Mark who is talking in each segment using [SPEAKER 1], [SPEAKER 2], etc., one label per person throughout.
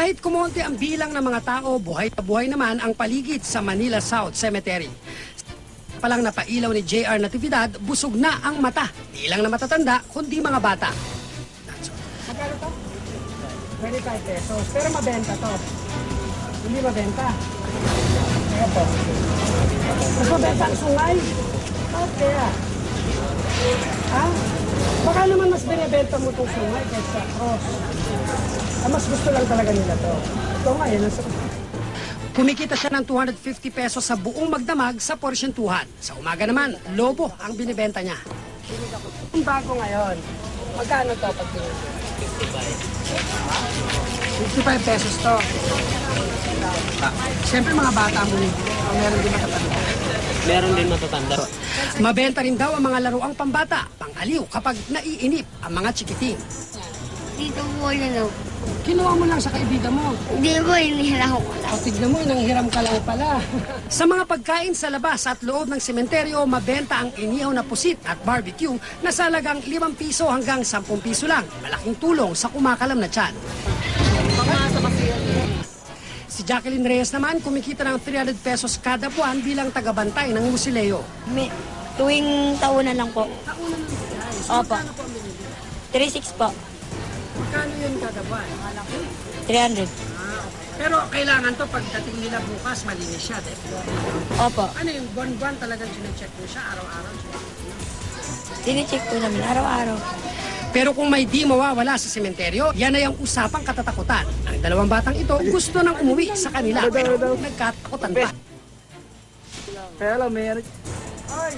[SPEAKER 1] Kahit kumonti ang bilang ng mga tao, buhay na buhay naman ang paligid sa Manila South Cemetery. Palang napailaw ni JR Natividad, busog na ang mata. Di lang na matatanda, kundi mga bata. Magkano to? 25 pesos. Pero mabenta to. Hindi mabenta. Ito. Mas mabenta ang sungay. Bakit kaya? Ha? Baka naman mas binibenta mo itong sungay kaysa cross. Mas gusto lang talaga nila to. Ito nga, yan ang kumikita siya ng 250 pesos sa buong magdamag sa porsyentuhan. Sa umaga naman, lobo ang binibenta niya. Ang bago ngayon, magkano to pag binibenta? 55 pesos to. Siyempre mga bata mo rin. Meron din matatanda.
[SPEAKER 2] Meron din matatanda.
[SPEAKER 1] Mabenta rin daw ang mga laruang pambata, pangaliw kapag naiinip ang mga chikiting.
[SPEAKER 3] Dito po yun o.
[SPEAKER 1] Kinuha mo lang sa kaibigan mo.
[SPEAKER 3] Hindi po, inihiram ko lang.
[SPEAKER 1] O tignan mo, nanghiram ka lang pala. Sa mga pagkain sa labas at loob ng sementeryo, mabenta ang inihaw na pusit at barbecue na sa halagang 5 piso hanggang 10 piso lang. Malaking tulong sa kumakalam na tiyan. Si Jacqueline Reyes naman kumikita ng 300 pesos kada buwan bilang tagabantay ng musileo.
[SPEAKER 3] Tuwing taunan lang po.
[SPEAKER 1] Taunan ng guys.
[SPEAKER 3] Opo. 3.6 po.
[SPEAKER 1] Magkano yun kada buwan?
[SPEAKER 3] 300.
[SPEAKER 1] Pero kailangan to pagdating nila bukas, malinis siya.
[SPEAKER 3] Opo.
[SPEAKER 1] Ano yung buwan-buwan talagang sinecheck mo siya, araw-araw?
[SPEAKER 3] Dinicheck po namin araw-araw.
[SPEAKER 1] Pero kung may di mawawala sa sementeryo, yan ay ang usapang katatakutan. Ang dalawang batang ito gusto nang umuwi sa kanila, pero nagkatakutan pa.
[SPEAKER 2] Kaya lang, mayroon.
[SPEAKER 1] Ay!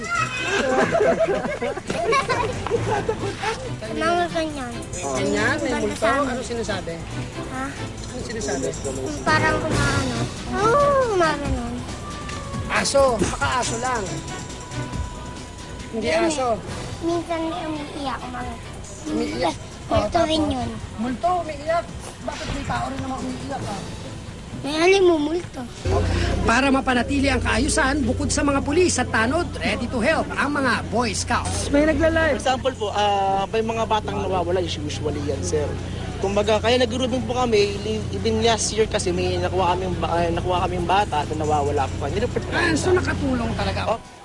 [SPEAKER 3] Mga ganyan.
[SPEAKER 1] Ganyan, may multo. Ano sinasabi?
[SPEAKER 3] Ha?
[SPEAKER 1] Ano sinasabi?
[SPEAKER 3] Parang kumaano. Kumaganon.
[SPEAKER 1] Aso, baka aso lang. Hindi aso.
[SPEAKER 3] Minsan may umiiyak.
[SPEAKER 1] Umiiyak.
[SPEAKER 3] Multo rin yun.
[SPEAKER 1] Multo, umiiyak. Bakit may tao rin naman umiiyak ka?
[SPEAKER 3] May halimumulto.
[SPEAKER 1] Para mapanatili ang kaayusan, bukod sa mga pulis at tanod, ready to help ang mga Boy Scouts.
[SPEAKER 2] May nagla-live. For example po, may mga batang nawawala, usually yan, sir. Kumbaga, kaya nag-grouping po kami, even last year kasi may nakuha kaming bata na nawawala po.
[SPEAKER 1] So nakatulong talaga.